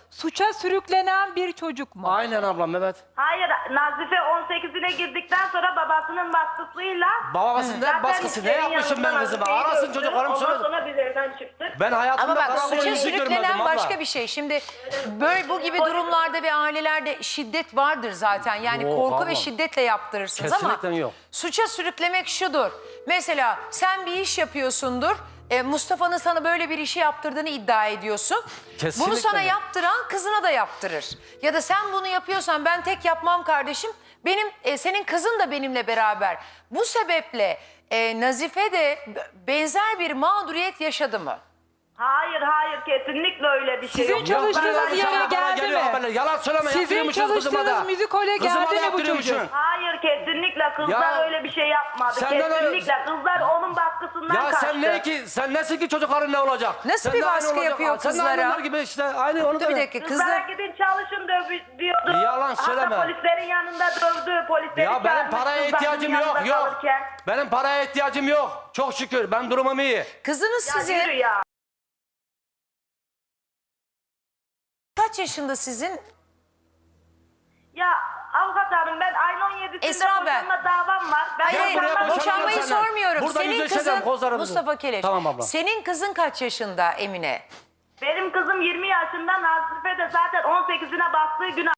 Speaker 5: suça sürüklenen bir çocuk mu?
Speaker 2: Aynen ablam, evet.
Speaker 3: Hayır, Nazife on sekizine girdikten sonra babasının baskısıyla...
Speaker 2: Babasının
Speaker 3: Zaten
Speaker 2: baskısı ne
Speaker 3: senin
Speaker 2: yapmışım ben
Speaker 3: yanında
Speaker 2: kızıma?
Speaker 3: Nazife'yi
Speaker 2: Arasın
Speaker 3: gördüm.
Speaker 2: çocuklarım
Speaker 3: Ondan
Speaker 2: söyle.
Speaker 3: sonra biz evden çıktık.
Speaker 2: Ben hayatımda
Speaker 1: Ama bak
Speaker 2: karanlık
Speaker 1: suça
Speaker 2: yüzü görmedim
Speaker 1: sürüklenen
Speaker 2: abla.
Speaker 1: başka bir şey. Şimdi böyle bu gibi durumlarda ve ailelerde şiddet vardır zaten. Yani
Speaker 2: Yok,
Speaker 1: korku
Speaker 2: ablam.
Speaker 1: ve şiddetle yaptırırsınız
Speaker 2: Kesinlikle
Speaker 1: ama
Speaker 2: yok.
Speaker 1: suça sürüklemek şudur. Mesela sen bir iş yapıyorsundur. e, Mustafa'nın sana böyle bir işi yaptırdığını iddia ediyorsun.
Speaker 2: Kesinlikle
Speaker 1: Bunu sana
Speaker 2: yok.
Speaker 1: yaptıran kızına da yaptırır. Ya da sen bunu yapıyorsan ben tek yapmam kardeşim. Benim e, senin kızın da benimle beraber. Bu sebeple e, Nazife de b- benzer bir mağduriyet yaşadı mı?
Speaker 3: Hayır, hayır, kesinlikle öyle bir şey
Speaker 5: Sizin
Speaker 3: yok.
Speaker 2: Yok,
Speaker 5: çalıştığınız
Speaker 2: ben-
Speaker 5: yere
Speaker 2: bana
Speaker 5: geldi
Speaker 2: geliyor
Speaker 5: mi?
Speaker 2: haberler. Yalan söyleme,
Speaker 5: Sizin
Speaker 2: yaptırıyormuşsunuz kızıma da.
Speaker 5: çalıştığınız müzikole
Speaker 2: Kızıma
Speaker 5: geldi
Speaker 2: da
Speaker 5: mi bu
Speaker 2: yaptırıyormuşsun.
Speaker 5: çocuk?
Speaker 3: Hayır, kesinlikle kızlar
Speaker 2: Ya,
Speaker 3: öyle bir şey yapmadı.
Speaker 2: senden öyle-
Speaker 3: Kesinlikle kızlar onun baskısından
Speaker 2: Ya
Speaker 3: kaçtı.
Speaker 2: sen ne ki, sen nesin ki çocukların ne olacak?
Speaker 1: Nasıl
Speaker 2: Sen
Speaker 1: bir
Speaker 2: de aynı
Speaker 1: baskı
Speaker 2: olacak.
Speaker 1: yapıyor
Speaker 2: Sen de aynı
Speaker 1: kızlara?
Speaker 2: onlar gibi işte, aynı onu
Speaker 1: Dur bir
Speaker 2: da-
Speaker 1: dakika
Speaker 3: Kızlara
Speaker 1: kızlar.
Speaker 3: gidin çalışın döv- diyordu.
Speaker 2: Yalan söyleme.
Speaker 3: Hatta polislerin yanında dövdü. Polisleri
Speaker 2: Ya benim
Speaker 3: çağırmış
Speaker 2: paraya
Speaker 3: kızların
Speaker 2: ihtiyacım
Speaker 3: yanında
Speaker 2: yok, yok.
Speaker 3: kalırken.
Speaker 2: Benim paraya ihtiyacım yok. Çok şükür, ben durumum iyi.
Speaker 1: Kızınız
Speaker 3: Ya
Speaker 1: sizin
Speaker 3: yürü ya.
Speaker 1: kaç yaşında sizin?
Speaker 3: Ya avukat hanım, ben ayın on yedisinde
Speaker 1: Esra ben.
Speaker 3: boşanma davam var. Ben
Speaker 1: Hayır,
Speaker 2: Gel buraya,
Speaker 3: boşanma-
Speaker 2: boşanalım
Speaker 1: boşanmayı
Speaker 2: senden.
Speaker 1: sormuyorum.
Speaker 2: Burada
Speaker 1: Senin
Speaker 2: yüzleşelim,
Speaker 1: kızın
Speaker 2: kozlarımızı.
Speaker 1: Mustafa Keleş.
Speaker 2: Tamam abla.
Speaker 1: Senin kızın kaç yaşında Emine?
Speaker 3: Benim kızım yirmi yaşında, Nazife de zaten on sekizine bastığı gün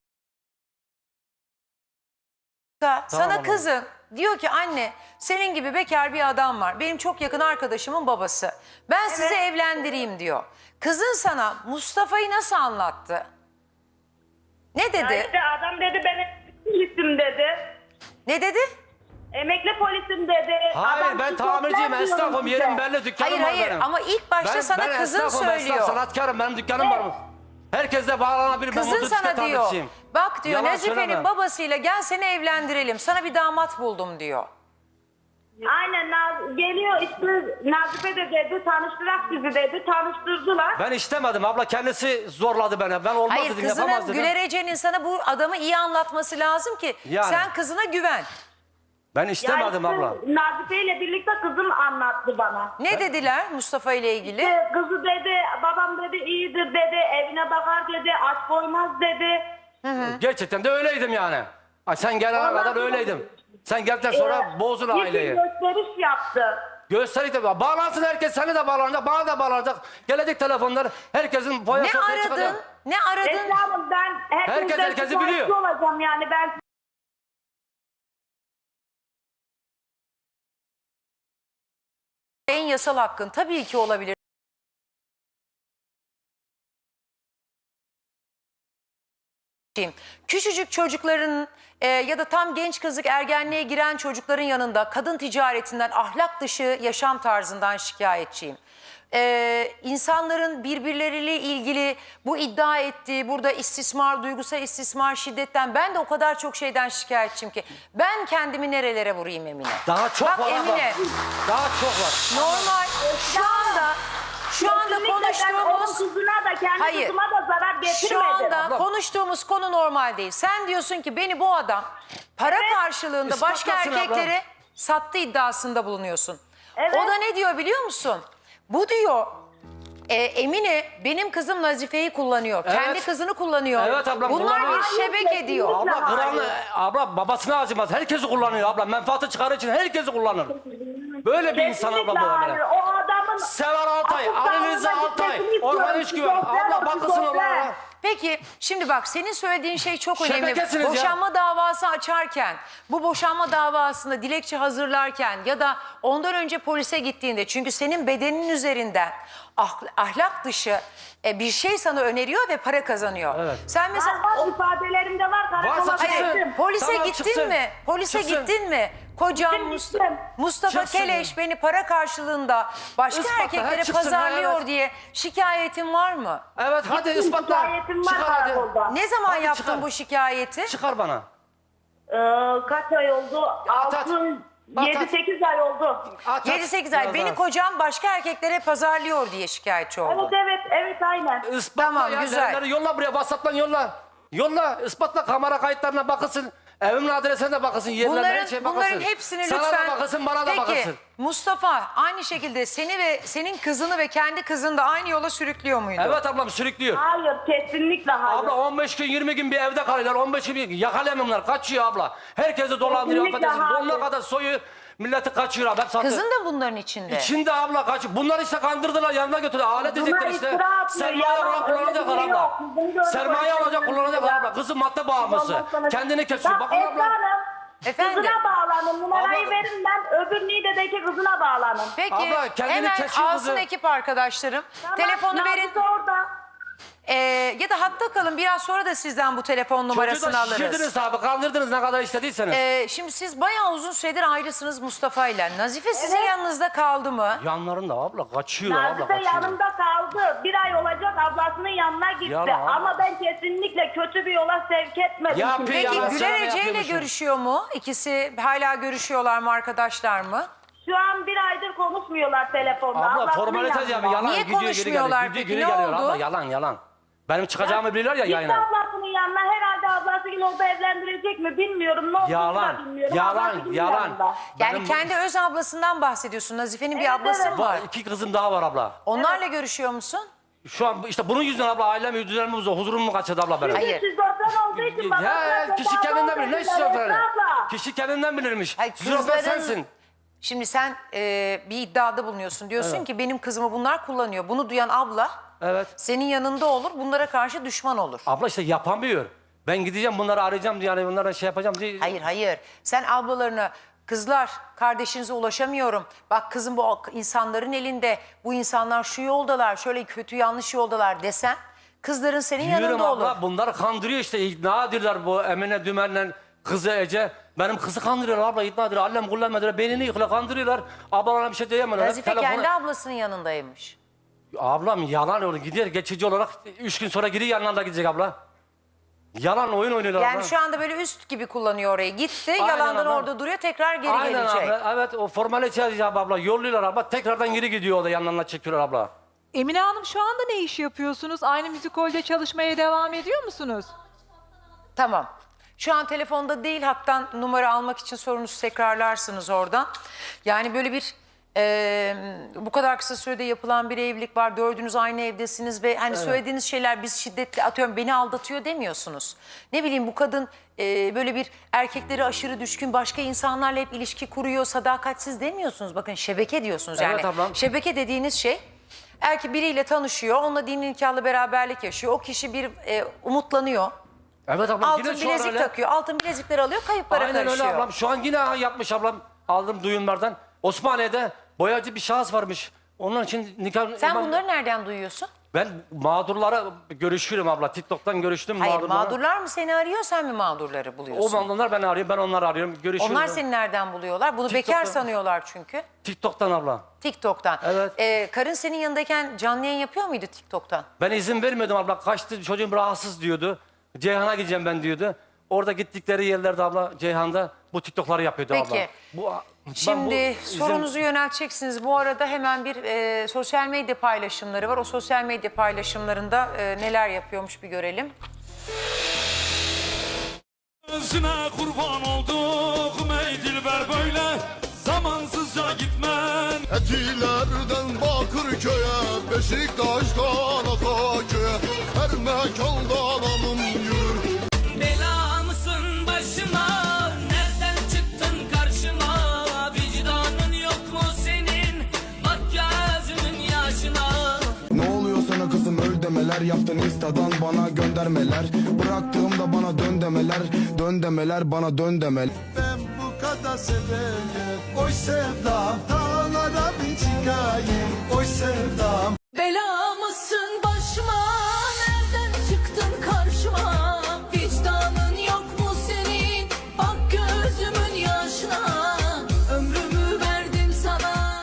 Speaker 1: Sana
Speaker 2: abla.
Speaker 1: kızın diyor ki anne senin gibi bekar bir adam var. Benim çok yakın arkadaşımın babası. Ben sizi evlendireyim diyor. Kızın sana Mustafa'yı nasıl anlattı? Ne
Speaker 3: Ya
Speaker 1: dedi?
Speaker 3: işte adam dedi ben emekli polisim dedi.
Speaker 1: Ne dedi?
Speaker 3: Emekli polisim dedi.
Speaker 2: Hayır,
Speaker 3: Adam
Speaker 2: ben
Speaker 3: siz
Speaker 2: tamirciyim,
Speaker 3: yoklar
Speaker 2: esnafım,
Speaker 3: diyorum
Speaker 2: yerim
Speaker 3: size.
Speaker 2: belli, dükkanım
Speaker 1: Hayır
Speaker 2: var
Speaker 1: hayır
Speaker 2: benim.
Speaker 1: ama ilk başta
Speaker 2: Ben-
Speaker 1: sana
Speaker 2: ben
Speaker 1: kızın
Speaker 2: esnafım,
Speaker 1: söylüyor.
Speaker 2: Esnaf, sanatkarım, benim dükkanım var. Herkesle bağlanabilir, ben
Speaker 1: Kızın
Speaker 2: motosiklet
Speaker 1: sana diyor.
Speaker 2: tamircisiyim.
Speaker 1: Bak diyor
Speaker 2: Yalan
Speaker 1: Nazife'nin
Speaker 2: söyleme.
Speaker 1: babasıyla gel seni evlendirelim. Sana bir damat buldum diyor.
Speaker 3: Aynen Naz- geliyor işte Nazife de dedi tanıştırak bizi dedi. Tanıştırdılar.
Speaker 2: Ben istemedim abla, kendisi zorladı beni. Ben olmaz
Speaker 1: Hayır
Speaker 2: dedim, yapamaz
Speaker 1: kızının
Speaker 2: dedim.
Speaker 1: Güler Ece'nin sana bu adamı iyi anlatması lazım ki
Speaker 2: Yani.
Speaker 1: sen kızına güven.
Speaker 2: Ben
Speaker 3: Ya
Speaker 2: istemedim
Speaker 3: işte
Speaker 2: abla.
Speaker 3: Nazife ile birlikte kızım anlattı bana.
Speaker 1: Ne dediler Mustafa ile ilgili?
Speaker 3: İşte kızı dedi babam dedi iyidir dedi. Evine bakar dedi. Aç koymaz dedi.
Speaker 2: Gerçekten de öyleydim yani. Ay, sen gelene
Speaker 3: Vallahi
Speaker 2: kadar öyleydim. Sen geldikten sonra
Speaker 3: Ee,
Speaker 2: bozdun
Speaker 3: bir
Speaker 2: aileyi.
Speaker 3: gösteriş yaptı.
Speaker 2: Gösterip de bağlansın herkes, seni de bağlanacak, bana da bağlanacak. Gelecek telefonlar, herkesin
Speaker 1: Ne
Speaker 2: boyası ortaya çıkacak.
Speaker 1: aradın? Ne aradın?
Speaker 3: Esra Hanım ben
Speaker 2: Herkes
Speaker 3: herkesten
Speaker 2: herkesi
Speaker 3: şikayetçi
Speaker 2: biliyor.
Speaker 3: olacağım yani ben
Speaker 1: En yasal hakkın tabii ki olabilir. Küçücük çocukların e, ya da tam genç kızlık ergenliğe giren çocukların yanında kadın ticaretinden, ahlak dışı yaşam tarzından şikayetçiyim. Ee, insanların birbirleriyle ilgili bu iddia ettiği burada istismar, duygusal istismar, şiddetten ben de o kadar çok şeyden şikayetçiyim ki ben kendimi nerelere vurayım Emine.
Speaker 2: Daha çok
Speaker 1: Bak
Speaker 2: var abla.
Speaker 1: Emine,
Speaker 2: Daha çok var.
Speaker 1: normal şu anda şu anda
Speaker 3: kesinlikle ben onun
Speaker 1: konuştuğumuz
Speaker 3: kızına da kendi
Speaker 1: Hayır.
Speaker 3: kızıma da zarar getirmedim.
Speaker 1: şu anda
Speaker 2: Abla.
Speaker 1: konuştuğumuz konu normal değil. Sen diyorsun ki beni bu adam para karşılığında başka
Speaker 2: İspatlasın abla.
Speaker 1: erkeklere sattı iddiasında bulunuyorsun.
Speaker 3: Evet.
Speaker 1: O da ne diyor biliyor musun? Bu diyor e, Emine benim kızım Nazife'yi kullanıyor.
Speaker 2: Evet.
Speaker 1: Kendi kızını kullanıyor.
Speaker 2: Evet ablam,
Speaker 1: Bunlar
Speaker 2: kullanıyor.
Speaker 1: bir şebeke
Speaker 3: Hayır,
Speaker 1: diyor.
Speaker 3: kesinlikle.
Speaker 2: Abla kıranı,
Speaker 3: Hayır.
Speaker 2: abla babasına acımaz. Herkesi kullanıyor abla. Menfaati çıkarı için herkesi kullanır. Böyle bir insan abla bu
Speaker 3: Kesinlikle
Speaker 2: Emine.
Speaker 3: hayır. O adamın
Speaker 2: Sever Altay,
Speaker 3: Asıl
Speaker 2: Ali Rıza
Speaker 3: sağlığına
Speaker 2: Altay,
Speaker 3: gitmesini
Speaker 2: Orhan
Speaker 3: istiyorum.
Speaker 2: Üçgüven.
Speaker 3: Şizofren
Speaker 2: Abla
Speaker 3: o,
Speaker 2: bakılsın
Speaker 3: şizofren.
Speaker 2: onlara.
Speaker 1: Peki şimdi bak senin söylediğin şey çok önemli.
Speaker 2: Şebekesiniz ya.
Speaker 1: Boşanma davası açarken, bu boşanma davasında dilekçe hazırlarken ya da ondan önce polise gittiğinde çünkü senin bedenin üzerinden ah- ahlak dışı e, bir şey sana öneriyor ve para kazanıyor.
Speaker 2: Evet.
Speaker 1: Sen mesela
Speaker 3: Var, var, ifadelerimde var.
Speaker 2: Varsa
Speaker 3: Karakola
Speaker 2: çıksın.
Speaker 3: gittim.
Speaker 1: polise
Speaker 2: Tamam,
Speaker 1: gittin
Speaker 2: çıksın.
Speaker 1: mi? Polise
Speaker 2: Çıksın.
Speaker 1: gittin mi? Kocam
Speaker 3: Gittim,
Speaker 1: Mustafa,
Speaker 3: gittim.
Speaker 1: Mustafa
Speaker 2: Çıksın.
Speaker 1: Keleş beni para karşılığında başka
Speaker 2: Ispatla,
Speaker 1: erkeklere
Speaker 2: ha, çıksın,
Speaker 1: pazarlıyor
Speaker 2: evet.
Speaker 1: diye şikayetin var mı?
Speaker 2: Evet hadi
Speaker 3: Gittim,
Speaker 2: ispatla.
Speaker 3: şikayetim var
Speaker 2: Çıkar hadi.
Speaker 3: karakolda.
Speaker 1: Ne zaman
Speaker 2: Hadi
Speaker 1: yaptın
Speaker 2: çıkar.
Speaker 1: bu şikayeti?
Speaker 2: Çıkar bana.
Speaker 3: Ee, kaç ay oldu?
Speaker 2: At, at.
Speaker 3: altı,
Speaker 2: At,
Speaker 3: yedi
Speaker 2: at.
Speaker 3: sekiz ay oldu.
Speaker 2: At, at.
Speaker 1: yedi sekiz ay
Speaker 2: Biraz
Speaker 1: beni
Speaker 2: daha.
Speaker 1: kocam başka erkeklere pazarlıyor diye şikayetçi oldu.
Speaker 3: Evet evet evet aynen.
Speaker 2: Ispatla
Speaker 1: Tamam,
Speaker 2: ya,
Speaker 1: güzel.
Speaker 2: delilleri yolla buraya, WhatsApp'tan yolla. Yolla, ispatla, kamera kayıtlarına bakılsın. Evimin adresine de bakılsın, yerlerine her
Speaker 1: Bunların,
Speaker 2: şeye bakılsın.
Speaker 1: bunların hepsini
Speaker 2: Sana
Speaker 1: lütfen...
Speaker 2: da bakılsın, bana da
Speaker 1: Peki,
Speaker 2: bakılsın.
Speaker 1: Mustafa aynı şekilde seni ve senin kızını ve kendi kızını da aynı yola sürüklüyor muydu?
Speaker 2: Evet ablam, sürüklüyor.
Speaker 3: Hayır, kesinlikle hayır.
Speaker 2: Abla on beş gün yirmi gün bir evde kalıyorlar. on beş gün yakalayamıyorlar. Kaçıyor abla. Herkesi dolandırıyor.
Speaker 3: Kesinlikle
Speaker 2: Affedersin.
Speaker 3: hayır.
Speaker 2: Donuna kadar soyu milleti kaçıyor abi. Hep satıyor.
Speaker 1: Kızın da bunların içinde.
Speaker 2: İçinde abla kaçıyor. Bunlar işte kandırdılar, yanına götürdüler. Alet
Speaker 3: Bunlar
Speaker 2: edecekler işte.
Speaker 3: iftira atıyor,
Speaker 2: Sermaye
Speaker 3: yalan,
Speaker 2: olarak kullanacaklar
Speaker 3: öyle bir şey
Speaker 2: abla.
Speaker 3: yok. Bizim gördüğümüz
Speaker 2: Sermaye
Speaker 3: öyle
Speaker 2: olacak
Speaker 3: bir şey
Speaker 2: kullanacaklar
Speaker 3: yok.
Speaker 2: abla. Kızı madde bağımlısı.
Speaker 3: Ondan sonra-
Speaker 2: Kendini kesiyor.
Speaker 3: Bak
Speaker 2: Bakın
Speaker 3: Esra
Speaker 2: abla.
Speaker 3: Hanım,
Speaker 1: Efendim?
Speaker 3: kızına bağlanın. Numarayı
Speaker 2: Abla-
Speaker 3: verin, ben öbür Niğde'deki kızına bağlanın.
Speaker 1: Peki
Speaker 2: Abla, kendini
Speaker 1: hemen
Speaker 2: kesiyor
Speaker 1: alsın
Speaker 2: kızı.
Speaker 1: ekip arkadaşlarım.
Speaker 3: Tamam,
Speaker 1: Telefonu verin.
Speaker 3: Nazlı orada.
Speaker 1: Ee, ya da hatta kalın, biraz sonra da sizden bu telefon
Speaker 2: Çocuğu
Speaker 1: numarasını
Speaker 2: da
Speaker 1: alırız.
Speaker 2: şişirdiniz abi. Kandırdınız ne kadar istediyseniz.
Speaker 1: Ee, şimdi siz bayağı uzun süredir ayrısınız Mustafa ile. Nazife sizin
Speaker 3: Evet.
Speaker 1: yanınızda kaldı mı?
Speaker 2: Yanlarında abla kaçıyor abla
Speaker 3: Nazife
Speaker 2: kaçıyor.
Speaker 3: yanımda kaldı. Bir ay olacak ablasının yanına gitti.
Speaker 2: Yalan.
Speaker 3: Ama ben kesinlikle kötü bir yola sevk etmedim.
Speaker 2: Ya
Speaker 3: kimseyi.
Speaker 2: peki,
Speaker 1: Peki
Speaker 2: yalan
Speaker 1: Güler
Speaker 2: söyleme
Speaker 1: Ece ile
Speaker 2: yapıyormuşum.
Speaker 1: görüşüyor mu? İkisi hala görüşüyorlar mı, arkadaşlar mı?
Speaker 3: Şu an bir aydır konuşmuyorlar telefonda.
Speaker 2: Abla
Speaker 3: Ablasının
Speaker 2: formalite
Speaker 3: yanında.
Speaker 2: ya, yalan
Speaker 1: Niye
Speaker 2: gidiyor geri
Speaker 1: konuşmuyorlar
Speaker 2: geliyor.
Speaker 1: peki,
Speaker 2: Gidiyor
Speaker 1: ne
Speaker 2: geri geliyor
Speaker 1: oldu?
Speaker 2: abla, yalan yalan. Benim çıkacağımı biliyorlar ya
Speaker 3: Gitti
Speaker 2: yayına.
Speaker 3: ablasının yanına, herhalde ablası yine orada evlendirecek mi bilmiyorum. Ne olduğunu da
Speaker 2: Yalan,
Speaker 3: bilmiyorum.
Speaker 2: yalan,
Speaker 3: Ablasının
Speaker 2: yalan.
Speaker 3: yanında.
Speaker 1: Yani
Speaker 2: Benim-
Speaker 1: kendi öz ablasından bahsediyorsun. Nazife'nin bir
Speaker 3: Evet,
Speaker 1: ablası
Speaker 3: evet.
Speaker 1: mı var?
Speaker 2: Var, iki kızım daha var abla.
Speaker 1: Onlarla görüşüyor musun?
Speaker 2: Şu an işte bunun yüzünden abla ailem düzenimi bozuyor. Huzurumu kaçırdı abla benim.
Speaker 1: Hayır.
Speaker 3: Şizofren olduğu için babasına
Speaker 2: Ya kişi
Speaker 3: tedavi
Speaker 2: kendinden bilir. Ne
Speaker 3: oldu dediler,
Speaker 2: şizofreni?
Speaker 3: Esra abla.
Speaker 2: Kişi kendinden bilirmiş.
Speaker 1: Hayır,
Speaker 2: Şizofren
Speaker 1: kızların-
Speaker 2: sensin.
Speaker 1: Şimdi sen e, bir iddiada bulunuyorsun. Diyorsun ki benim kızımı bunlar kullanıyor. Bunu duyan abla
Speaker 2: Evet.
Speaker 1: senin yanında olur, bunlara karşı düşman olur.
Speaker 2: Abla işte yapamıyor. Ben gideceğim bunları arayacağım diye, yani bunlara şey yapacağım diye.
Speaker 1: Hayır hayır. Sen ablalarına, kızlar kardeşinize ulaşamıyorum. Bak kızım bu insanların elinde. Bu insanlar şu yoldalar, şöyle kötü yanlış yoldalar desen kızların senin
Speaker 2: Diyorum
Speaker 1: yanında
Speaker 2: abla,
Speaker 1: olur.
Speaker 2: bunları kandırıyor işte, ikna ediyorlar bu Emine Dümen'le kızı Ece. Benim kızı kandırıyorlar abla, ikna ediyorlar. Allem kullanmadılar, beynini yıkıyorlar, kandırıyorlar. Ablalarına bir şey diyemiyorlar. Hep
Speaker 1: Nazife
Speaker 2: telefonu-
Speaker 1: kendi ablasının yanındaymış.
Speaker 2: Ablam yalan olur, gidiyor geçici olarak üç gün sonra geri yanlarına gidecek abla. Yalan oyun oynuyorlar
Speaker 1: Yani
Speaker 2: abla.
Speaker 1: şu anda böyle üst gibi kullanıyor orayı. Gitti,
Speaker 2: Aynen
Speaker 1: yalandan
Speaker 2: abla.
Speaker 1: orada duruyor, tekrar geri
Speaker 2: Aynen
Speaker 1: gelecek.
Speaker 2: abla, evet o formalite yapacak abla, yolluyorlar abla, tekrardan geri gidiyor o da yanlarına çekiyorlar abla.
Speaker 5: Emine Hanım şu anda ne iş yapıyorsunuz? Aynı müzikolde çalışmaya devam ediyor musunuz?
Speaker 1: Tamam. Şu an telefonda değil, hatta numara almak için sorunuzu tekrarlarsınız oradan. Yani böyle bir e, bu kadar kısa sürede yapılan bir evlilik var. Dördünüz aynı evdesiniz ve hani söylediğiniz şeyler, biz şiddetli, atıyorum beni aldatıyor demiyorsunuz. Ne bileyim, bu kadın e, böyle bir erkekleri aşırı düşkün, başka insanlarla hep ilişki kuruyor, sadakatsiz demiyorsunuz. Bakın şebeke diyorsunuz yani.
Speaker 2: Evet ablam.
Speaker 1: Şebeke dediğiniz şey, erkek biriyle tanışıyor, onunla dini nikahlı beraberlik yaşıyor. O kişi bir e, umutlanıyor.
Speaker 2: Evet ablam,
Speaker 1: Altın
Speaker 2: yine şu an
Speaker 1: bilezik
Speaker 2: öyle.
Speaker 1: takıyor. Altın bilezikleri alıyor, kayıplara
Speaker 2: Aynen öyle
Speaker 1: karışıyor.
Speaker 2: ablam, şu an yine yapmış ablam, aldım duyumlardan. Osmaniye'de boyacı bir şahıs varmış. Onun için nikah...
Speaker 1: Sen
Speaker 2: ben,
Speaker 1: bunları nereden duyuyorsun?
Speaker 2: Ben mağdurlara görüşüyorum abla, TikTok'tan görüştüm
Speaker 1: Hayır,
Speaker 2: mağdurlara.
Speaker 1: mağdurlar mı seni arıyor, sen mi mağdurları
Speaker 2: O
Speaker 1: buluyorsun?
Speaker 2: mağdurlar beni arıyor, ben onları arıyorum, görüşüyoruz.
Speaker 1: Onlar seni nereden buluyorlar? Bunu bekar
Speaker 2: TikTok'tan.
Speaker 1: sanıyorlar çünkü.
Speaker 2: TikTok'tan abla.
Speaker 1: TikTok'tan.
Speaker 2: Evet.
Speaker 1: Ee, karın senin yanındayken canlı yayın yapıyor muydu TikTok'tan?
Speaker 2: Ben izin vermiyordum abla, kaçtı, çocuğum rahatsız diyordu. Ceyhan'a gideceğim ben diyordu. Orada gittikleri yerlerde abla, Ceyhan'da bu TikTok'ları yapıyordu abla.
Speaker 1: Peki.
Speaker 2: Bu, ben
Speaker 1: Şimdi
Speaker 2: bu izin-
Speaker 1: sorunuzu yönelteceksiniz. Bu arada hemen bir e, sosyal medya paylaşımları var. O sosyal medya paylaşımlarında e, neler yapıyormuş bir görelim.
Speaker 6: Özüne kurban olduk ey dilber böyle zamansızca gitmen.
Speaker 7: Etilerden Bakırköy'e, Beşiktaş'tan Ataköy'e, her mekandan anım yürür.
Speaker 6: Bela mısın başıma nereden çıktın karşıma, vicdanın yok mu senin bak gözümün yaşına.
Speaker 8: Ne oluyor sana kızım, öl demeler, yaptın instadan bana göndermeler, bıraktığımda bana dön demeler, dön demeler bana dön demeler.
Speaker 7: Ben bu kadar seveyim, oy sevdam, dağlara bir çıkayım, oy sevdam.
Speaker 9: Bela mısın başıma nereden çıktın karşıma, vicdanın yok mu senin bak gözümün yaşına, ömrümü verdim sana.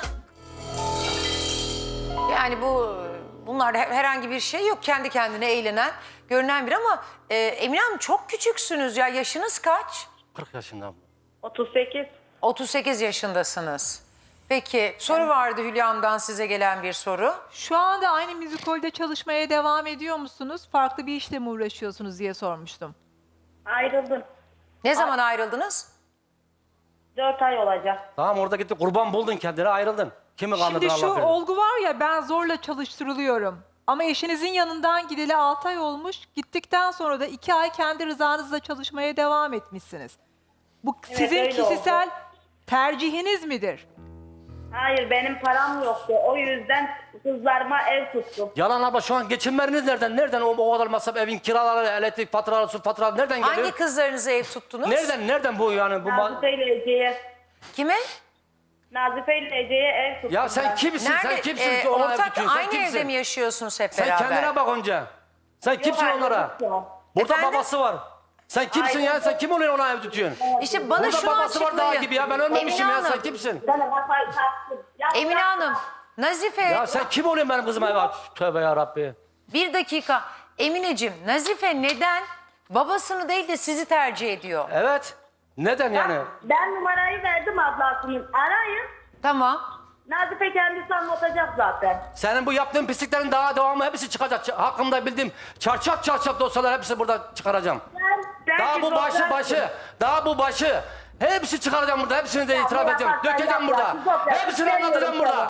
Speaker 1: Yani bu bunlarda herhangi bir şey yok. Kendi kendine eğlenen, görünen bir ama e, Emine Hanım çok küçüksünüz ya. Yaşınız kaç?
Speaker 2: kırk yaşında abla.
Speaker 3: otuz sekiz.
Speaker 1: otuz sekiz yaşındasınız. Peki soru vardı Hülya'mdan size gelen bir soru.
Speaker 5: Şu anda aynı müzikolde çalışmaya devam ediyor musunuz? Farklı bir işle mi uğraşıyorsunuz diye sormuştum.
Speaker 3: Ayrıldım.
Speaker 1: Ne zaman ayrıldınız?
Speaker 3: Dört ay olacak.
Speaker 2: Tamam orada gitti kurban buldun kendine ayrıldın. Kimi kandırdın
Speaker 5: Şimdi şu
Speaker 2: Allah bilir.
Speaker 5: olgu var ya, ben zorla çalıştırılıyorum. Ama eşinizin yanından gideli altı ay olmuş. Gittikten sonra da iki ay kendi rızanızla çalışmaya devam etmişsiniz. Bu sizin
Speaker 3: öyle
Speaker 5: kişisel
Speaker 3: oldu.
Speaker 5: tercihiniz midir?
Speaker 3: Hayır, benim param yoktu. O yüzden kızlarıma ev tuttum.
Speaker 2: Yalan abla şu an geçinmeleriniz nereden? Nereden o, o kadar masraf evin kiraları, elektrik faturaları, su faturaları nereden geliyor?
Speaker 1: Hangi kızlarınıza ev tuttunuz?
Speaker 2: Nereden nereden bu yani? Bu ma-
Speaker 3: Nazife ile Ece'ye.
Speaker 1: Kime?
Speaker 3: Nazife ile Ece'ye ev tuttum.
Speaker 2: ya sen
Speaker 3: ben.
Speaker 2: kimsin?
Speaker 1: Nerede?
Speaker 2: Sen kimsin
Speaker 1: Ee,
Speaker 2: ki ona ev
Speaker 1: ortak
Speaker 2: tutuyorsun? Sen
Speaker 1: aynı
Speaker 2: kimsin?
Speaker 1: evde mi yaşıyorsunuz hep
Speaker 2: Sen
Speaker 1: beraber?
Speaker 2: kendine bak önce. Sen kimsin
Speaker 3: Yok,
Speaker 2: onlara?
Speaker 3: ayrılık yok.
Speaker 2: Burada
Speaker 1: Efendim?
Speaker 2: babası var. Sen kimsin ya? Sen kim oluyor ona ev tutuyorsun?
Speaker 1: İşte bana
Speaker 2: Burada
Speaker 1: şunu
Speaker 2: babası var daha
Speaker 1: açıklayın.
Speaker 2: gibi ya. Ben ölmemişim
Speaker 1: Emine
Speaker 2: ya. Sen
Speaker 1: Hanım.
Speaker 2: kimsin?
Speaker 3: Sana kafayı taktım. Ya
Speaker 1: Emine
Speaker 3: bırak
Speaker 1: Hanım,
Speaker 3: ya.
Speaker 1: Nazife
Speaker 2: Ya sen kim oluyorsun benim kızıma ev aç? Tövbe yarabbi.
Speaker 1: bir dakika. Emineciğim, Nazife neden babasını değil de sizi tercih ediyor?
Speaker 2: Evet. Neden yani?
Speaker 3: Ben numarayı verdim ablasının. Arayın.
Speaker 1: Tamam.
Speaker 3: Nazife kendisi anlatacak zaten.
Speaker 2: Senin bu yaptığın pisliklerin daha devamı hepsi çıkacak. Ç- Hakkımda bildiğim çarçak çarçak dosyalar hepsi burada çıkaracağım.
Speaker 3: Ben, ben
Speaker 2: Daha bu başı başı, daha bu başı. Hepsi çıkaracağım burada, hepsini de itiraf
Speaker 3: bu
Speaker 2: edeceğim.
Speaker 3: yaparsan
Speaker 2: Dökeceğim
Speaker 3: yap
Speaker 2: burada.
Speaker 3: ya, çok yap.
Speaker 2: Hepsini anlatacağım
Speaker 3: Sevmiyorum
Speaker 2: burada.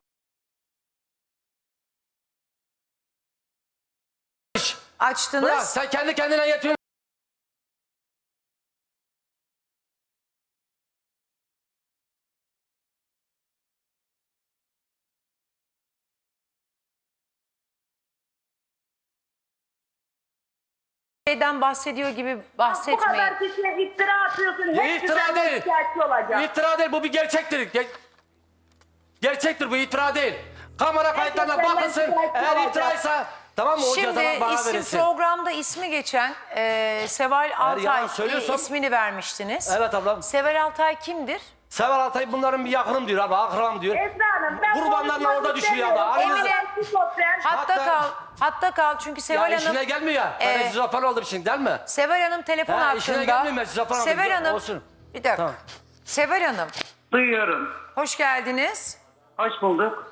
Speaker 1: Açtınız.
Speaker 2: Bırak sen kendi kendine yetiyorsun.
Speaker 1: Şeyden bahsediyor gibi
Speaker 3: Bu
Speaker 1: bahsetmeyin.
Speaker 3: kadar kişiye iftira atıyorsun.
Speaker 2: Bu
Speaker 3: Hepsi
Speaker 2: iftira
Speaker 3: senden
Speaker 2: değil.
Speaker 3: şikayetçi olacak.
Speaker 2: İftira değil, bu bir gerçektir. Ge- gerçektir, bu iftira değil. Kamera kayıtlarına
Speaker 3: senden
Speaker 2: bakılsın.
Speaker 3: şikayetçi
Speaker 2: Eğer
Speaker 3: olacak.
Speaker 2: iftiraysa tamam mı o
Speaker 1: Şimdi
Speaker 2: cezalar bana
Speaker 1: isim
Speaker 2: verilsin.
Speaker 1: programda ismi geçen e, Seval Altay
Speaker 2: yalan
Speaker 1: e,
Speaker 2: söylüyorsam-
Speaker 1: ismini vermiştiniz.
Speaker 2: Evet ablam.
Speaker 1: Seval Altay kimdir?
Speaker 2: Sever Altay bunların bir yakınım diyor abla, akram diyor.
Speaker 3: Esra Hanım ben
Speaker 2: Kurbanlarla
Speaker 3: konuşmak
Speaker 2: orada düşüyor abla.
Speaker 3: istemiyorum.
Speaker 2: Aranızda-
Speaker 3: Emine, şizofren.
Speaker 1: Hatta,
Speaker 2: Hatta-
Speaker 1: kal. Hatta kal çünkü
Speaker 2: Ya
Speaker 1: Seval
Speaker 2: işine
Speaker 1: Hanım
Speaker 2: gelmiyor ya. Ben
Speaker 1: Ee,
Speaker 2: şizofren oldum şimdi değil mi?
Speaker 1: Seval Hanım telefon
Speaker 2: Ha, işine
Speaker 1: hattında.
Speaker 2: gelmiyor ben şizofren oldum.
Speaker 1: Seval Hanım.
Speaker 2: Olsun.
Speaker 1: Bir dakika.
Speaker 2: Tamam.
Speaker 1: Seval Hanım
Speaker 10: Duyuyorum.
Speaker 1: hoş geldiniz.
Speaker 10: Hoş bulduk.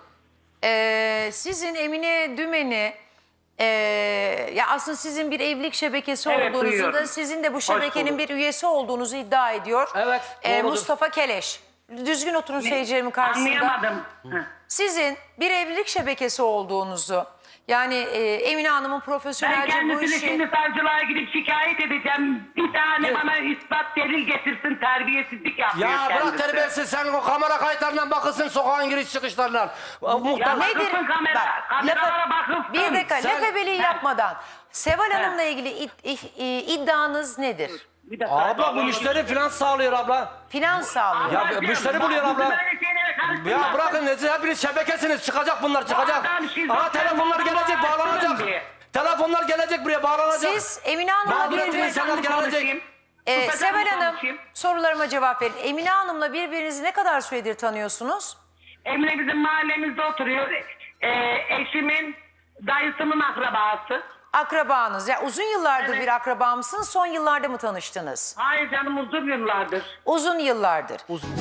Speaker 1: Ee, sizin Emine Dümen'i e, ya aslında sizin bir evlilik şebekesi
Speaker 10: Evet,
Speaker 1: olduğunuzu
Speaker 10: duyuyorum.
Speaker 1: da sizin de bu şebekenin
Speaker 10: bulduk.
Speaker 1: bir üyesi olduğunuzu iddia ediyor.
Speaker 2: Evet,
Speaker 1: Ee,
Speaker 2: doğrudur.
Speaker 1: Mustafa Keleş. Düzgün oturun seyircilerimin karşısında.
Speaker 10: Anlayamadım. Hı.
Speaker 1: Sizin bir evlilik şebekesi olduğunuzu, yani e, Emine Hanım'ın
Speaker 10: Ben
Speaker 1: profesyonelce bu
Speaker 10: kendisini
Speaker 1: işi...
Speaker 10: şimdi savcılığa gidip şikayet edeceğim. Bir tane
Speaker 2: Evet.
Speaker 10: bana ispat delil getirsin, terbiyesizlik yapıyor
Speaker 2: Ya
Speaker 10: kendisi.
Speaker 2: bırak terbiyesiz, sen o kamera kayıtlarından bakılsın sokağın giriş çıkışlarından.
Speaker 10: Ya
Speaker 2: Muhtar...
Speaker 10: nedir? Bakılsın kamera,
Speaker 1: Bak,
Speaker 10: kameralara
Speaker 1: lafa-
Speaker 10: bakılsın.
Speaker 1: Bir dakika,
Speaker 2: Sen-
Speaker 1: laf ebeliği
Speaker 10: He.
Speaker 1: yapmadan. Seval
Speaker 10: He.
Speaker 1: Hanım'la ilgili id- id- i- iddianız nedir?
Speaker 10: Bir dakika.
Speaker 2: Abla bu müşteri finans sağlıyor abla.
Speaker 1: Finans sağlıyor.
Speaker 2: Ya
Speaker 10: Ablacığım,
Speaker 2: müşteri
Speaker 10: bak,
Speaker 2: buluyor abla.
Speaker 10: böyle şeylere karıştırma.
Speaker 2: Ya bırakın siz hepiniz şebekesiniz, çıkacak bunlar çıkacak.
Speaker 10: adam şizofren,
Speaker 2: Aha telefonlar
Speaker 10: bu
Speaker 2: gelecek
Speaker 10: adamı
Speaker 2: bağlanacak.
Speaker 10: açtırın diye.
Speaker 2: Telefonlar gelecek buraya bağlanacak.
Speaker 1: Siz Emine Hanım'la
Speaker 2: Mağduriyetin
Speaker 1: birbirinizi...
Speaker 2: insanlar gelecek.
Speaker 10: Konuşayım.
Speaker 1: Ee,
Speaker 10: Susacağım,
Speaker 1: Seval Hanım
Speaker 10: konuşayım.
Speaker 1: sorularıma cevap verin. Emine Hanım'la birbirinizi ne kadar süredir tanıyorsunuz?
Speaker 10: Emine bizim mahallemizde oturuyor. Ee, eşimin dayısının akrabası.
Speaker 1: Akrabanız. Ya uzun yıllardır
Speaker 10: Evet.
Speaker 1: bir akraba mısınız? Son yıllarda mı tanıştınız?
Speaker 10: Hayır canım uzun yıllardır.
Speaker 1: Uzun yıllardır.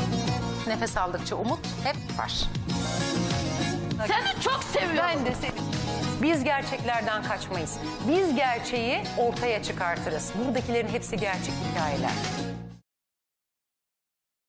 Speaker 1: Nefes aldıkça umut hep var.
Speaker 9: Seni çok seviyorum.
Speaker 1: Ben de seni. Biz gerçeklerden kaçmayız. Biz gerçeği ortaya çıkartırız. Buradakilerin hepsi gerçek hikayeler.